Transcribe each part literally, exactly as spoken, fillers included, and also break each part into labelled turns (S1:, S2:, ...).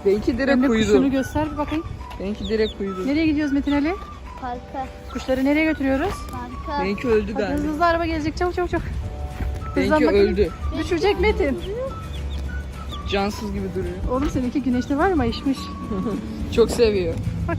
S1: Benimki direkt
S2: Emre
S1: uyudu.
S2: kuşunu göster bir bakayım.
S1: Benimki direkt uyudu.
S2: Nereye gidiyoruz Metin Ali?
S3: Parka.
S2: Kuşları nereye götürüyoruz?
S3: Parka.
S1: Benimki öldü
S2: Hadi hızlı
S1: galiba.
S2: hızlı araba gelecek, çabuk çabuk çabuk.
S1: Benimki
S2: Hızlan bakalım.
S1: öldü.
S2: Düşecek Metin.
S1: Cansız gibi duruyor.
S2: Oğlum seninki güneşte var mı? İşmiş.
S1: Çok seviyor.
S2: Bak.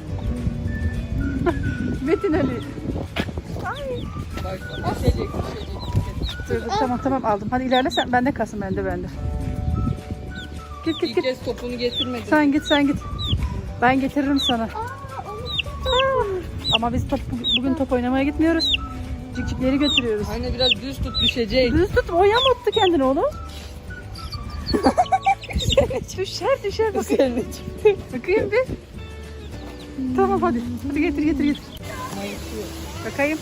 S2: Metin Ali. Ay.
S1: Bak bak. Düşecek, düşecek.
S2: Dur, dur, tamam tamam aldım. Hadi ilerle sen. Bende kalsın, bende bende. Git git
S1: İlk
S2: git.
S1: kez topunu getirmedi.
S2: Sen git sen git. Ben getiririm sana.
S3: Aa, unuttum.
S2: Ama biz top, bugün top oynamaya gitmiyoruz. Cikcikleri götürüyoruz.
S1: Anne biraz düz tut, düşecek.
S2: Düz tut, o yamulttu kendini oğlum. düşer düşer bakayım.
S1: Üzerine çıktı.
S2: Bakayım bir. Tamam hadi. Hadi getir getir getir. Bakayım.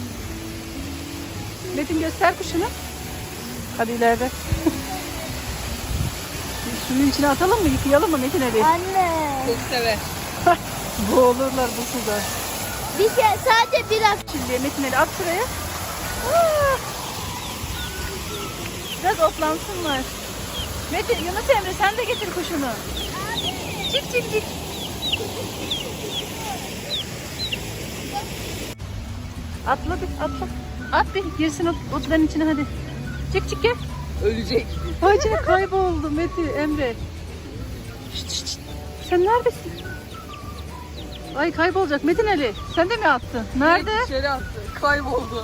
S2: Metin göster kuşunu. Hadi ileride. Suyun içine atalım mı? Yıkayalım mı Metin Ali?
S3: Anne.
S1: Çok sever.
S2: Boğulurlar bu suda.
S3: Bir kere sadece bir hafta.
S2: Şimdi Metin Ali at şuraya. Aa! Biraz otlansınlar. Metin, Yunus Emre sen de getir kuşunu. Çık çık çık. Atla bir atla. At bir girsin ot, otların içine hadi. Çık çık gel.
S1: Ölecek.
S2: Hoca kayboldu Metin Emre. Şşt, şşt, şşt. Sen neredesin? Ay kaybolacak Metin Ali. Sen de mi attın? Nerede?
S1: Direkt dışarı attı. Kayboldu.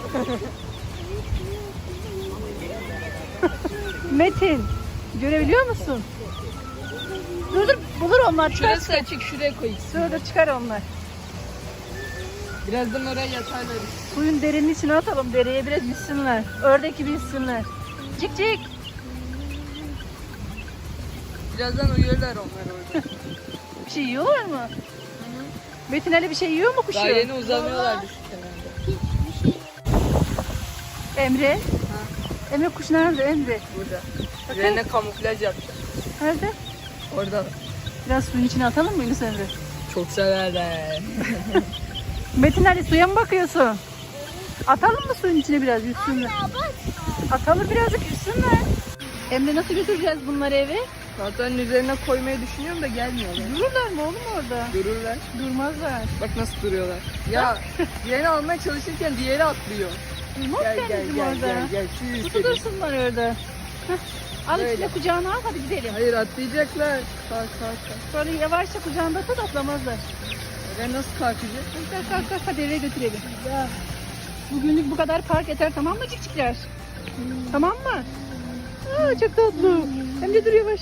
S2: Metin. Görebiliyor musun? Dur dur bulur onlar. Çıkar
S1: Şurası
S2: çıkar.
S1: açık, şuraya koy.
S2: Dur dur çıkar onlar.
S1: Birazdan oraya yatarlar.
S2: Suyun derinin içine atalım. Dereye biraz yüzsünler. Ördek gibi yüzsünler. Cik cik.
S1: Birazdan uyuyorlar onlar orada.
S2: Bir şey yiyorlar mı? Metin Ali bir şey yiyor mu kuşu?
S1: Daha yeni uzanıyorlardı şu kenarda.
S3: Hiçbir şey.
S2: Emre. Emre kuş nerede Emre?
S1: Burada.
S2: Bakın.
S1: Üzerine kamuflaj yapacağım.
S2: Nerede?
S1: Orada.
S2: Biraz suyun içine atalım mı Yunus Emre?
S1: Çok severler.
S2: Metin Ali suya mı bakıyorsun? Atalım mı suyun içine biraz yüzsünler?
S3: Anne bak.
S2: Atalım birazcık yüzsünler. Emre nasıl götüreceğiz bunları eve?
S1: Zaten üzerine koymayı düşünüyorum da gelmiyorlar.
S2: Dururlar mı oğlum orada?
S1: Dururlar.
S2: Durmazlar.
S1: Bak nasıl duruyorlar. Ya diğerini almaya çalışırken diğeri atlıyor.
S2: Durmaz
S1: Gel gel
S2: kendisi
S1: gel
S2: orada.
S1: gel gel. Şu
S2: Tutu
S1: yükselim.
S2: dursunlar orada. Heh. Al
S1: Böyle.
S2: içine kucağına al hadi gidelim.
S1: Hayır atlayacaklar. Kalk kalk kalk.
S2: Sonra yavaşça kucağında tut atlamazlar.
S1: Oraya nasıl kalkacak?
S2: Kalk kalk kalk hadi eve götürelim. Bugünlük bu kadar park yeter tamam mı cikcikler? Tamam mı? Aa, çok tatlı. Hem de dur yavaş.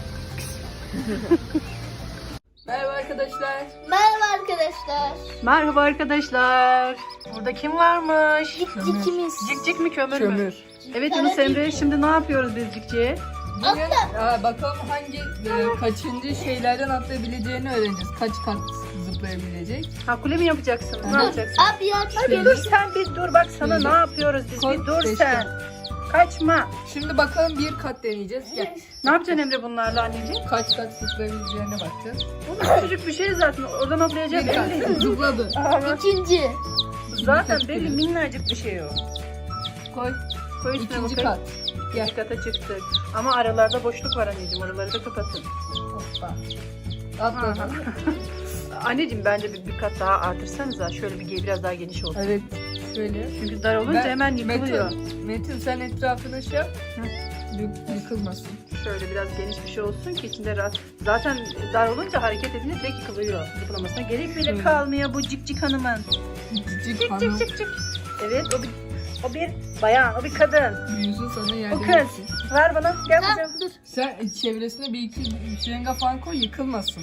S1: Merhaba arkadaşlar.
S3: Merhaba arkadaşlar.
S2: Merhaba arkadaşlar. Burada kim varmış?
S3: Cikcikimiz.
S2: Cikcik mi kömür, mü?
S1: Kömür.
S2: Evet Yunus Emre şimdi ne yapıyoruz biz cikciye?
S1: Bugün aa, bakalım hangi e, kaçıncı şeylerden atlayabileceğini öğreneceğiz. Kaç kat zıplayabilecek.
S2: Ha kule mi yapacaksın? Ne
S1: Hı.
S2: yapacaksın?
S3: Abi ya
S2: Ay bir dur sen bir dur bak sana
S1: Şöyle.
S2: ne yapıyoruz biz
S1: Koy,
S2: bir dur
S1: seçtim.
S2: sen. Kaçma.
S1: Şimdi bakalım bir kat deneyeceğiz. Gel.
S2: Ne yapacaksın Emre bunlarla anneciğim?
S1: Kaç kat zıplayabileceğine bakacağız.
S2: Oğlum küçücük bir şey zaten oradan hoplayacak
S1: Bir kat.
S2: belli.
S1: Zıpladı.
S2: Aa, bak.
S3: ikinci.
S2: Zaten belli minnacık bir şey o.
S1: Koy.
S2: Koy üstüne
S1: İkinci
S2: bakayım.
S1: kat.
S2: İkinci kata çıktık. Ama aralarda boşluk var anneciğim oraları da kapatın.
S1: Hoppa. Atladı.
S2: Anneciğim bence bir, bir kat daha artırsanıza şöyle bir biraz daha geniş olsun.
S1: Evet. Şöyle.
S2: Çünkü dar olunca
S1: Ben-
S2: hemen yıkılıyor.
S1: Metin, Metin sen etrafına şey yap. Yık- Yıkılmasın.
S2: Şöyle biraz geniş bir şey olsun ki içinde rahat. Zaten dar olunca hareket edince direkt yıkılıyor. Zıplamasına gerek bile
S1: Şöyle.
S2: kalmıyor bu cik cik hanımın.
S1: Cicik
S2: Cik
S1: hanım.
S2: cik cik cik. Evet o bir, o bir bayan, o bir kadın.
S1: Büyüsün sana
S2: O
S1: yardım
S2: kız.
S1: etsin.
S2: Ver bana gel bakalım. Dur.
S1: Sen çevresine bir iki şırınga falan koy yıkılmasın.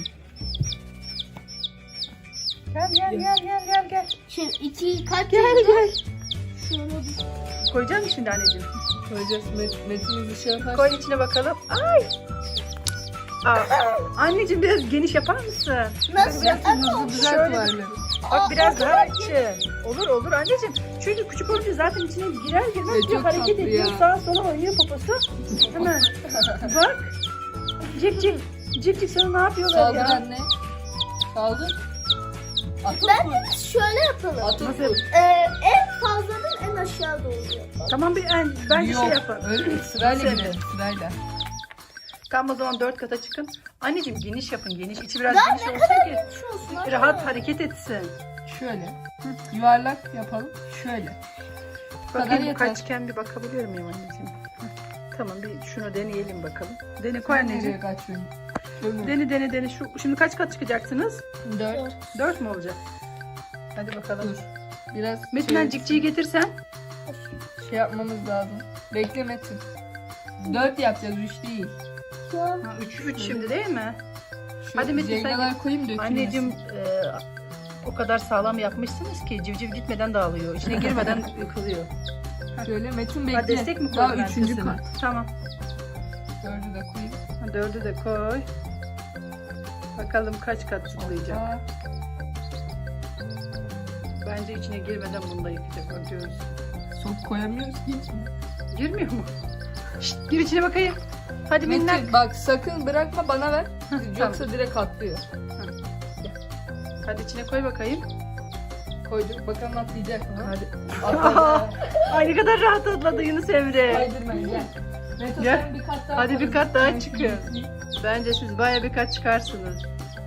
S2: Gel gel gel gel gel gel.
S3: Şimdi iki kaç
S2: Gel gel.
S3: Şöyle bir.
S2: Koyacak mısın şimdi anneciğim?
S1: Koyacağız. Met, Metin bir şey yapar.
S2: Koy içine bakalım. Ay. Aa, anneciğim biraz geniş yapar mısın?
S3: Nasıl?
S1: Biraz
S3: Ama
S1: hızlı düzelt
S2: şöyle-
S1: varları.
S2: Bak biraz daha açın. Olur olur anneciğim. Çünkü küçük olunca zaten içine girer girmez
S1: Ya
S2: bir
S1: çok
S2: hareket
S1: tatlı
S2: ediyor.
S1: ya.
S2: Sağa sola oynuyor poposu. Hemen. Bak. Cik cik. Cik cik sana ne yapıyorlar
S1: Saldır
S2: ya?
S1: anne. Saldır. Atıp
S3: ben
S1: vur.
S3: de şöyle yapalım.
S1: Atıp
S2: Nasıl?
S1: vur.
S3: Ee, en fazladan en aşağı doğru yapalım.
S2: Tamam bir en, bence
S1: Yok,
S2: şey yapın.
S1: öyle değil. Sırayla
S2: Nasıl?
S1: gidelim. Sırayla.
S2: Tam o zaman dört kata çıkın. Anneciğim geniş yapın, geniş. İçi biraz
S3: Daha
S2: geniş
S3: ne
S2: olsun
S3: kadar
S2: ki
S3: geniş olsun anne.
S2: rahat hareket etsin.
S1: Şöyle. Yuvarlak yapalım. Şöyle. Bu kadar
S2: Bakayım bu
S1: yeter.
S2: kaçken bir bakabiliyor muyum anneciğim? Hı. Tamam bir şunu deneyelim bakalım. Dene koy
S1: Sen
S2: anneciğim.
S1: nereye kaçıyorsun? Şöyle.
S2: Dene dene dene. Şu, şimdi kaç kat çıkacaksınız?
S1: Dört.
S2: Dört mü olacak? Hadi bakalım.
S1: Dur. Biraz
S2: Metin
S1: şey,
S2: cikciyi getirsen.
S1: şey yapmamız lazım. Bekle Metin. Dört yapacağız. Üç değil.
S3: Tamam.
S2: Ha, üç, üç şimdi değil mi?
S1: Şu
S2: Hadi Metin, sen
S1: cengalar koyayım dökülmesin.
S2: Anneciğim e, o kadar sağlam yapmışsınız ki civciv gitmeden dağılıyor. İçine girmeden yıkılıyor.
S1: Şöyle Metin bekle.
S2: Ha, destek mi
S1: Daha
S2: koydun
S1: üçüncü
S2: arkasına?
S1: kat.
S2: Tamam.
S1: Dördü de koyayım.
S2: Ha, dördü de koy. Bakalım kaç kat zıplayacak.
S1: Aa,
S2: Bence içine girmeden bunu da yıkacak. Bakıyoruz.
S1: sok koyamıyoruz ki hiç mi?
S2: Girmiyor mu? Şşt, gir içine bakayım. Hadi minnak.
S1: Metin bak sakın bırakma bana ver. Yoksa
S2: Tamam.
S1: direkt atlıyor.
S2: Hadi içine koy bakayım.
S1: Koyduk bakalım atlayacak mı?
S2: Hadi.
S1: Atladı.
S2: Ay ne kadar rahat atladı Yunus Emre.
S1: Kaydırma gel. Metin
S2: Gel.
S1: sen bir kat daha
S2: Hadi bir
S1: koy.
S2: kat daha
S1: Ben
S2: çıkıyor.
S1: şimdi-
S2: Bence siz baya bir kat çıkarsınız.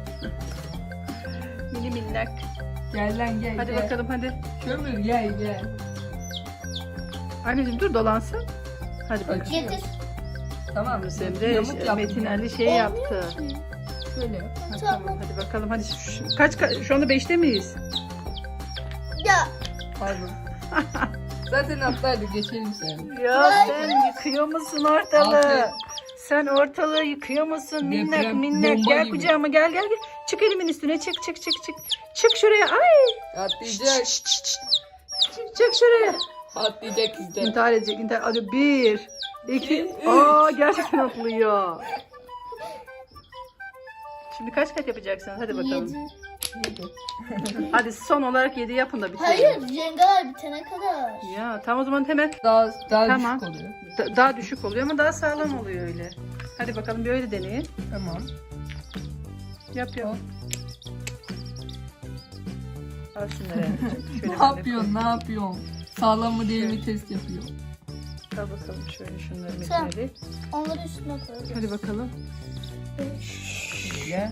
S2: Mini minnak.
S1: Gel lan gel
S2: Hadi
S1: gel.
S2: bakalım hadi.
S1: Kömür gel gel.
S2: Anneciğim dur dolansın. Hadi bakalım.
S1: Açıyor.
S3: Getir.
S1: Tamam.
S2: Yunus Emre,
S1: Yamuk yaptım
S2: Metin
S1: ben.
S2: Ali şey yaptı.
S1: Şöyle.
S2: Ha,
S3: Tamam.
S2: tamam hadi bakalım hadi. Şu- Kaç, ka- şu anda beşte miyiz?
S3: Ya
S1: Pardon. Zaten atlardık geçelim sen.
S2: Ya sen yıkıyor musun ortalığı?
S1: Aferin.
S2: Sen ortalığı yıkıyor musun? Minnak
S1: Deprem
S2: minnak.
S1: bomba
S2: Gel
S1: gibi.
S2: kucağıma gel gel gel. Çık elimin üstüne çık çık çık çık. Çık şuraya ay.
S1: Atlayacak.
S2: Çık, çık şuraya.
S1: Atlayacak izle.
S2: İntihar edecek intihar. Hadi bir. iki. Aa gerçekten atlıyor. Şimdi kaç kat yapacaksınız? Hadi bakalım.
S3: yedi.
S2: Hadi son olarak yedi yapın da bitirin.
S3: Hayır, jengalar bitene kadar.
S2: Ya tamam o zaman hemen
S1: Daha daha
S2: Tamam.
S1: düşük oluyor.
S2: da- daha düşük oluyor ama daha sağlam oluyor öyle. Hadi bakalım bir öyle deneyin.
S1: Tamam.
S2: Yap yap. Al şunları. Şöyle
S1: Ne
S2: böyle
S1: yapıyorsun? Ne yapıyorsun? Sağlam mı değil mi test yapıyor.
S2: koy. Al bakalım şöyle şunları
S3: Tamam.
S2: Metin Ali.
S3: Onları üstüne koyacağız.
S2: Hadi bakalım.
S1: Şöyle.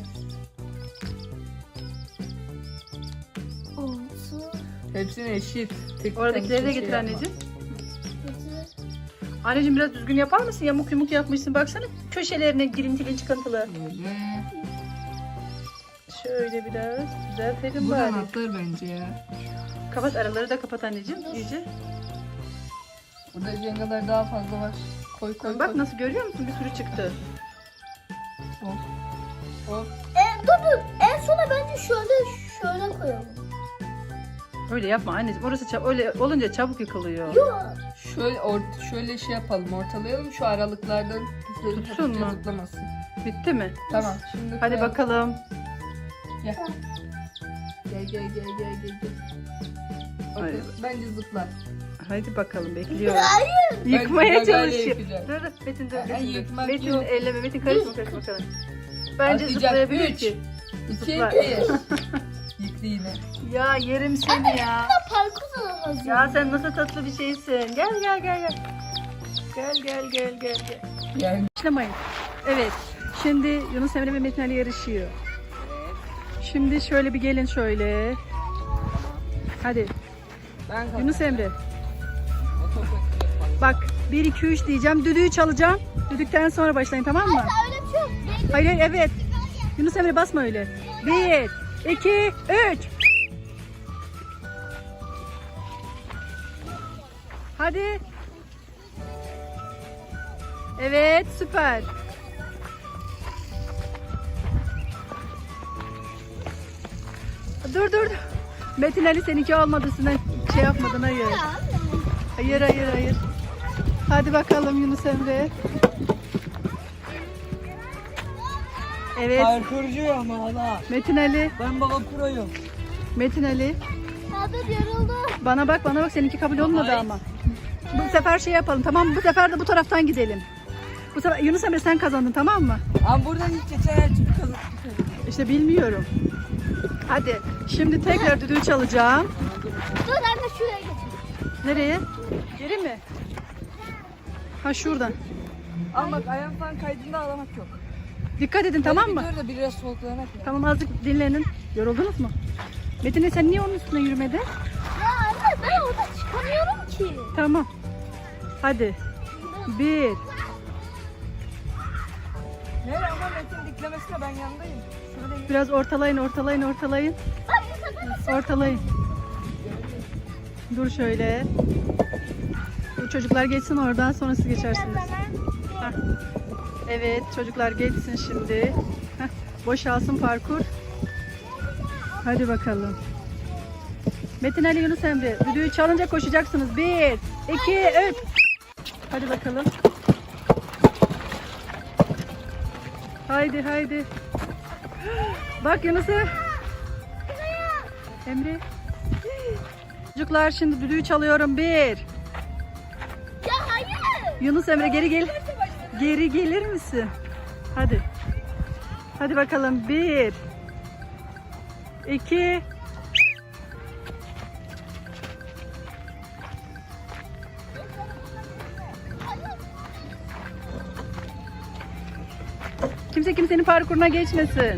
S3: Altı,
S1: Hepsini eşit. Tek
S2: Oradakileri de
S1: tek
S2: getir
S1: şey yapma.
S2: anneciğim.
S3: yedi.
S2: Anneciğim biraz düzgün yapar mısın? Yamuk yumuk yapmışsın. Baksana köşelerine girintili çıkıntılı.
S1: Böyle.
S2: Şöyle biraz düzeltelim
S1: Buradan
S2: bari.
S1: atlar bence ya.
S2: Kapat araları da kapat anneciğim iyice.
S1: Burada jengalar daha fazla var. Koy koy
S2: Bak
S1: koy.
S2: nasıl görüyor musun? Bir sürü çıktı.
S1: Hop. Hop.
S3: E, dur dur. En sona bence şöyle şöyle koyalım.
S2: Öyle yapma anneciğim. Orası çab- öyle olunca çabuk yıkılıyor.
S3: Yok.
S1: Şöyle or- şöyle şey yapalım. Ortalayalım şu aralıklardan. Şöyle
S2: Tutsun
S1: hafifçe
S2: mu?
S1: zıplamasın.
S2: Bitti mi?
S1: Tamam. Şimdi
S2: Hadi
S1: koyalım.
S2: bakalım.
S1: Gel. Gel gel gel gel gel. gel. Bakın,
S2: Hayır.
S1: bence zıplar.
S2: Hadi bakalım bekliyorum.
S3: Hayır.
S2: Yıkmaya
S1: Ben gagayla
S2: çalışıyor.
S1: yapacağım.
S2: Dur dur Metin dur.
S1: Ay,
S2: Metin, dur.
S1: yıkmak
S2: Metin
S1: yok.
S2: elleme Metin karışma karışma bakalım. Bence
S1: Atlayacak.
S2: zıplayabilir
S1: Üç.
S2: ki.
S1: İki,
S2: Zıplar.
S1: bir. Yıktı yine.
S2: Ya yerim seni ya.
S3: Parkur da hazır.
S2: Ya sen nasıl tatlı bir şeysin. Gel gel gel gel. Gel gel gel gel gel.
S1: Yani
S2: Başlamayın. Evet. Şimdi Yunus Emre ve Metin Ali yarışıyor. Şimdi şöyle bir gelin şöyle. Hadi
S1: ben kaldım.
S2: Yunus Emre. Bak bir iki üç diyeceğim. Düdüğü çalacağım. Düdükten sonra başlayın tamam mı?
S3: Öyle bir şey yok. Bekle.
S2: Hayır hayır evet. Yunus Emre basma öyle. Bir, iki, üç. Hadi. Evet süper. Dur dur. Metin Ali seninki olmadı. Sen şey yapmadın hayır.
S3: Ya.
S2: Hayır hayır hayır. Hadi bakalım Yunus Emre. Evet
S1: Parkurcuyum ama hala.
S2: Metin Ali.
S1: Ben baba proyum.
S2: Metin Ali.
S3: Ya dur yoruldu.
S2: Bana bak bana bak seninki kabul olmadı
S1: Ay.
S2: ama. Bu sefer şey yapalım tamam mı? Bu sefer de bu taraftan gidelim. Bu sefer Yunus Emre sen kazandın tamam mı?
S1: Ama buradan hiç geçen her türlü kazandık.
S2: İşte bilmiyorum. Hadi şimdi tekrar düdüğü çalacağım.
S3: Dur anne şuraya getir.
S2: Nereye? Geri mi? Ha şuradan.
S1: Ama bak ayağım falan kaydığında ağlamak yok.
S2: Dikkat edin tamam mı?
S1: Dur da biraz soluklanak ya.
S2: Tamam azıcık dinlenin. Yoruldunuz mu? Metin sen niye onun üstüne yürümedin?
S3: Ya anne ben orada çıkamıyorum ki.
S2: Tamam. Hadi. Bir.
S1: Nere ama Metin diklemesine ben yanındayım. Şurada
S2: Biraz ortalayın, ortalayın, ortalayın.
S3: Bak bu sefer de
S2: Ortalayın. Dur şöyle. Dur çocuklar geçsin oradan sonra siz geçersiniz. Hah. Evet çocuklar geçsin şimdi. Heh, boşalsın parkur. Hadi bakalım. Metin Ali Yunus Emre. Düdüğü çalınca koşacaksınız. Bir, iki, üç. Hadi bakalım. Haydi haydi. Bak Yunus'u. Emre. Çocuklar şimdi düdüğü çalıyorum. Bir.
S3: Ya hayır.
S2: Yunus Emre geri gel. Geri gelir misin? Hadi. Hadi bakalım. Bir. İki. Kimse kimsenin parkuruna geçmesin.
S3: Ya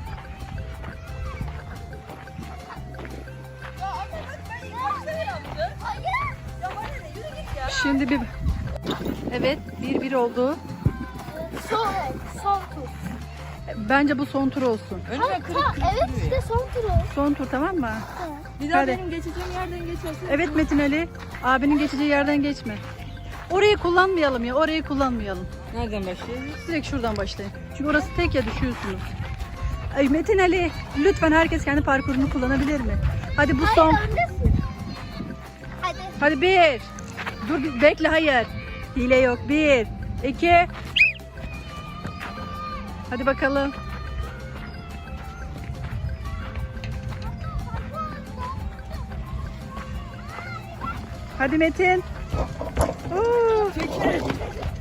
S3: anne bak ben ilk başta yaptım. Hayır. Ya bana ne yürü git ya.
S2: Şimdi bir... Evet, bir bir oldu.
S3: Son, son tur.
S2: Bence bu son tur olsun.
S1: önüme
S3: Ha,
S1: kırık
S3: ha,
S1: kırık
S3: evet
S1: duruyor.
S3: işte son tur o.
S2: Son tur tamam mı?
S1: Bir daha
S2: Hadi.
S1: benim geçeceğim yerden geçersin.
S2: Evet Metin Ali, abinin geçeceği yerden geçme. Orayı kullanmayalım ya, orayı kullanmayalım.
S1: Nereden başlayayım?
S2: Direkt şuradan başlayın. Çünkü orası tek ya düşüyorsunuz. Ay Metin Ali, lütfen herkes kendi parkurunu kullanabilir mi? Hadi bu son.
S3: Hayır öndesin. Hadi.
S2: Hadi bir. Dur bir- bekle hayır. Hile yok. Bir, iki. Hadi bakalım. Hadi Metin. Oo.
S1: Çekil.